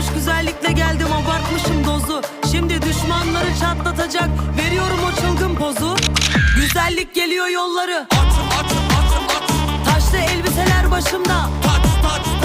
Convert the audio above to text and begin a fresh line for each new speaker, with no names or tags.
güzellikle geldim, abartmışım dozu. Şimdi düşmanları çatlatacak, veriyorum o çılgın pozu. Güzellik geliyor yolları,
At.
taşlı elbiseler başımda.
Taç.